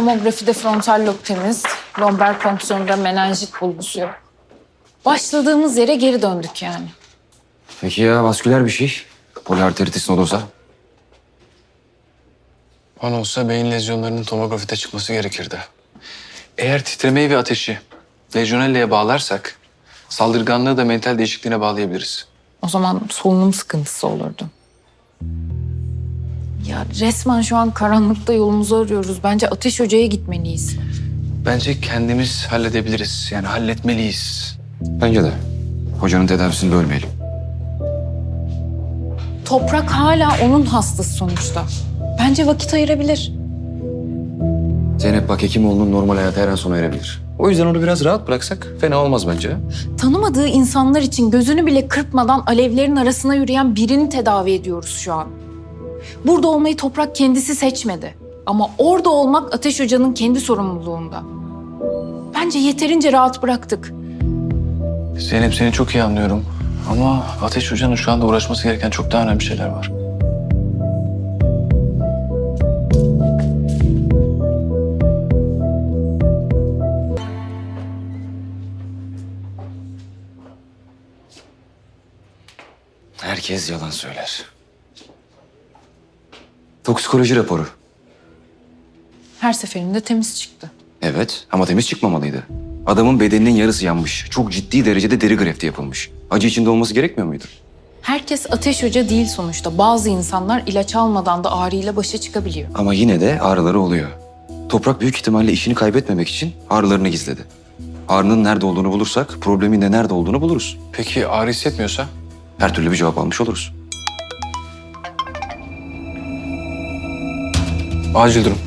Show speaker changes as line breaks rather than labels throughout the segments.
Tomografide frontal lob temiz. Lomber fonksiyonunda menenjit bulgusu yok. Başladığımız yere geri döndük yani.
Peki ya vasküler bir şey? Poliarteritis nodosa?
Bana olsa beyin lezyonlarının tomografide çıkması gerekirdi. Eğer titremeyi ve ateşi lejyonelleye bağlarsak saldırganlığı da mental değişikliğine bağlayabiliriz.
O zaman solunum sıkıntısı olurdu. Ya resmen şu an karanlıkta yolumuzu arıyoruz. Bence Ateş Hoca'ya gitmeliyiz.
Bence kendimiz halledebiliriz. Yani halletmeliyiz.
Bence de. Hocanın tedavisini bölmeyelim.
Toprak hala onun hastası sonuçta. Bence vakit ayırabilir.
Zeynep bak Hekimoğlu'nun normal hayatı her an sona erebilir. O yüzden onu biraz rahat bıraksak fena olmaz bence.
Tanımadığı insanlar için gözünü bile kırpmadan alevlerin arasına yürüyen birini tedavi ediyoruz şu an. Burada olmayı Toprak kendisi seçmedi. Ama orada olmak Ateş Hoca'nın kendi sorumluluğunda. Bence yeterince rahat bıraktık.
Zeynep seni çok iyi anlıyorum. Ama Ateş Hoca'nın şu anda uğraşması gereken çok daha önemli şeyler var.
Herkes yalan söyler. Toksikoloji raporu.
Her seferinde temiz çıktı.
Evet ama temiz çıkmamalıydı. Adamın bedeninin yarısı yanmış. Çok ciddi derecede deri grefti yapılmış. Acı içinde olması gerekmiyor muydu?
Herkes Ateş Hoca değil sonuçta. Bazı insanlar ilaç almadan da ağrıyla başa çıkabiliyor.
Ama yine de ağrıları oluyor. Toprak büyük ihtimalle işini kaybetmemek için ağrılarını gizledi. Ağrının nerede olduğunu bulursak problemin de nerede olduğunu buluruz.
Peki ağrı hissetmiyorsa?
Her türlü bir cevap almış oluruz.
Acil durum.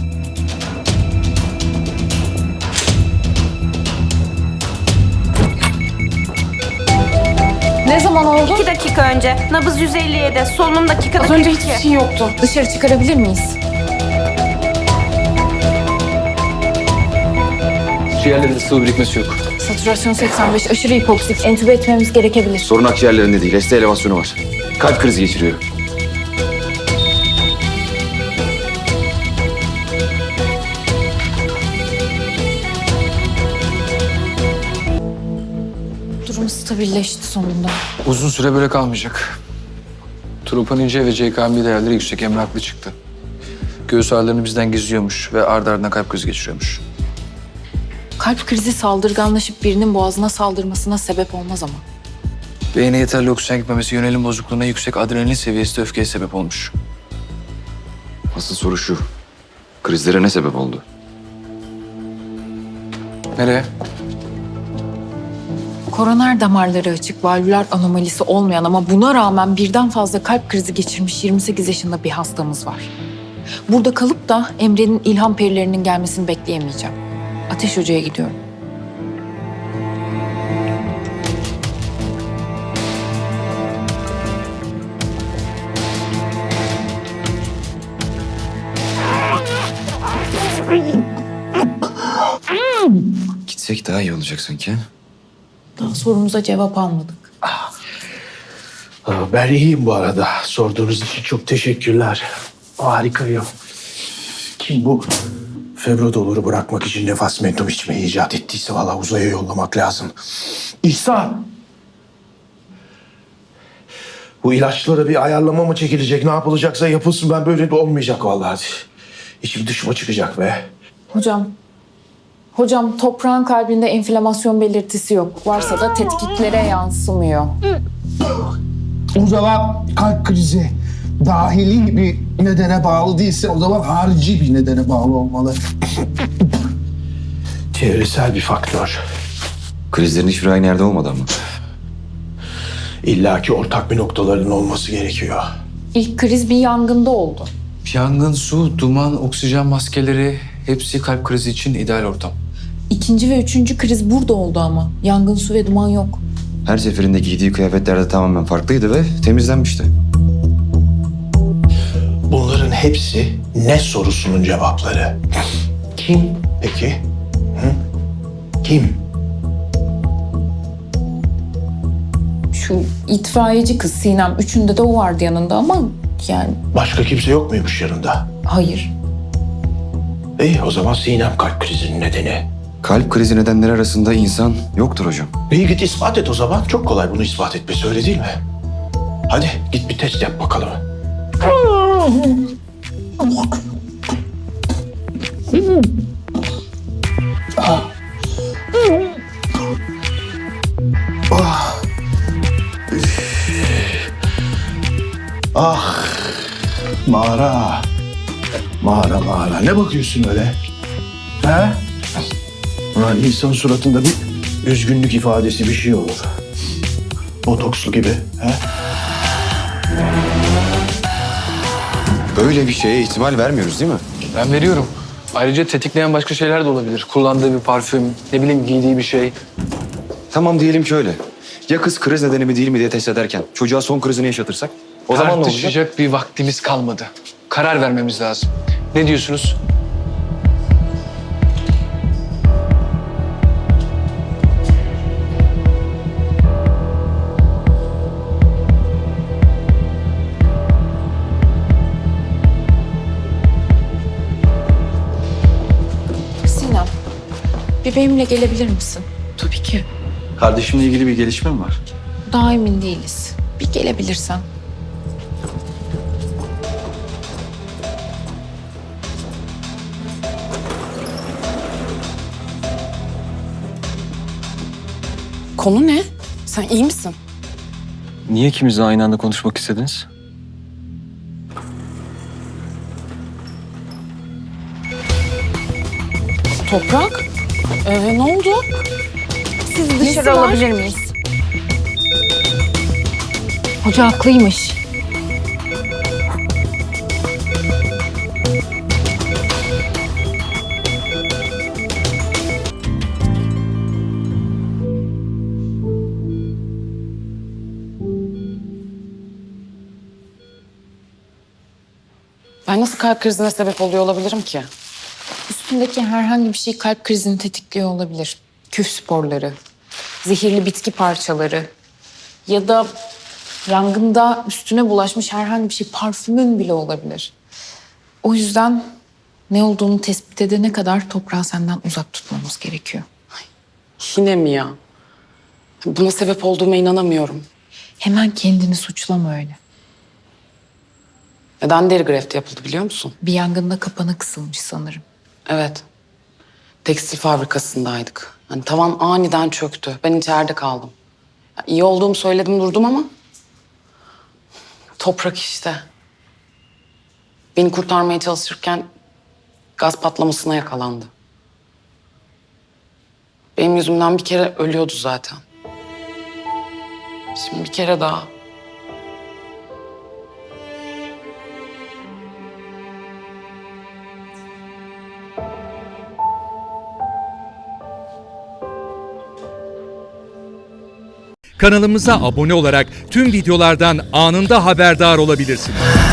Ne zaman oldu?
2 dakika önce. Nabız 157. Solunum dakikada
Az önce
42.
hiçbir şey yoktu. Dışarı çıkarabilir miyiz?
Ciğerlerinde sıvı birikmesi yok.
Satürasyon 85, aşırı hipoksik. Entübe etmemiz gerekebilir.
Sorun akciğerlerinde değil, ST elevasyonu var. Kalp krizi geçiriyor.
Durum stabilleşti sonunda.
Uzun süre böyle kalmayacak. Troponin-C ve CKM değerleri yüksek. Emre haklı çıktı. Göğüs ağrılarını bizden gizliyormuş ve ardı ardına kalp krizi geçiriyormuş.
Kalp krizi saldırganlaşıp birinin boğazına saldırmasına sebep olmaz ama.
Beyne yeterli oksijen gitmemesi, yönelim bozukluğuna, yüksek adrenalin seviyesi de öfkeye sebep olmuş.
Asıl soru şu. Krizlere ne sebep oldu?
Nereye?
Koroner damarları açık, valvüler anomalisi olmayan ama buna rağmen birden fazla kalp krizi geçirmiş 28 yaşında bir hastamız var. Burada kalıp da Emre'nin ilham perilerinin gelmesini bekleyemeyeceğim. Ateş Hoca'ya gidiyorum.
Gitsek daha iyi olacak sanki.
Daha sorumuza cevap almadık.
Ben iyiyim bu arada. Sorduğunuz için çok teşekkürler. Harikayım. Kim bu febrodoluru bırakmak için nefas mentum içmeyi icat ettiyse vallahi uzaya yollamak lazım. İhsan! Bu ilaçlara bir ayarlama mı çekilecek? Ne yapılacaksa yapılsın. Ben böyle de olmayacak vallahi. İçim dışıma çıkacak be.
Hocam toprağın kalbinde enflamasyon belirtisi yok. Varsa da tetkiklere yansımıyor.
O zaman kalp krizi dahili bir nedene bağlı değilse o zaman harici bir nedene bağlı olmalı. Çevresel bir faktör.
Krizlerin hiçbiri aynı yerde olmadı ama.
İlla ki ortak bir noktalarının olması gerekiyor.
İlk kriz bir yangında oldu.
Yangın, su, duman, oksijen maskeleri hepsi kalp krizi için ideal ortam.
İkinci ve üçüncü kriz burada oldu ama. Yangın, su ve duman yok.
Her seferinde giydiği kıyafetler de tamamen farklıydı ve temizlenmişti.
Bunların hepsi ne sorusunun cevapları. Kim peki? Hı? Kim?
Şu itfaiyeci kız Sinem. Üçünde de o vardı yanında ama yani
Başka kimse yok muymuş yanında?
hayır.
İyi o zaman Sinem kalp krizinin nedeni.
Kalp krizi nedenleri arasında insan yoktur hocam.
İyi git ispat et o zaman. Çok kolay bunu ispat etmesi öyle değil mi? Hadi git bir test yap bakalım. Ah, mağara. Mağara. Ne bakıyorsun öyle? He? Ulan insan suratında bir üzgünlük ifadesi bir şey olur. Botokslu gibi. He?
Böyle bir şeye ihtimal vermiyoruz değil mi?
Ben veriyorum. Ayrıca tetikleyen başka şeyler de olabilir. Kullandığı bir parfüm, ne bileyim giydiği bir şey.
Tamam diyelim ki öyle. Ya kız kriz nedeni mi değil mi diye test ederken çocuğa son krizini yaşatırsak? O zaman ne olacak?
Tartışacak bir vaktimiz kalmadı. Karar vermemiz lazım. Ne diyorsunuz?
Sinem, bir benimle gelebilir misin? Tabii ki.
Kardeşimle ilgili bir gelişme mi var?
Daha emin değiliz. Bir gelebilirsen.
Konu ne? Sen iyi misin?
Niye ikimiz de aynı anda konuşmak istediniz?
Toprak? Ne oldu?
Sizi dışarı
var?
alabilir miyiz?
Hoca haklıymış.
Ben nasıl kalp krizine sebep oluyor olabilirim ki?
Üstündeki herhangi bir şey kalp krizini tetikliyor olabilir. Küf sporları, zehirli bitki parçaları ya da yangında üstüne bulaşmış herhangi bir şey, parfümün bile olabilir. O yüzden ne olduğunu tespit edene kadar toprağı senden uzak tutmamız gerekiyor.
Yine mi ya? Buna sebep olduğuma inanamıyorum.
Hemen kendini suçlama öyle.
Neden deri grefti yapıldı biliyor musun?
Bir yangında kapana kısılmış sanırım.
Evet. Tekstil fabrikasındaydık. Hani tavan aniden çöktü. Ben içeride kaldım. Ya, iyi olduğumu söyledim durdum ama... Toprak işte. Beni kurtarmaya çalışırken gaz patlamasına yakalandı. Benim yüzümden bir kere ölüyordu zaten. Şimdi bir kere daha.
Kanalımıza abone olarak tüm videolardan anında haberdar olabilirsiniz.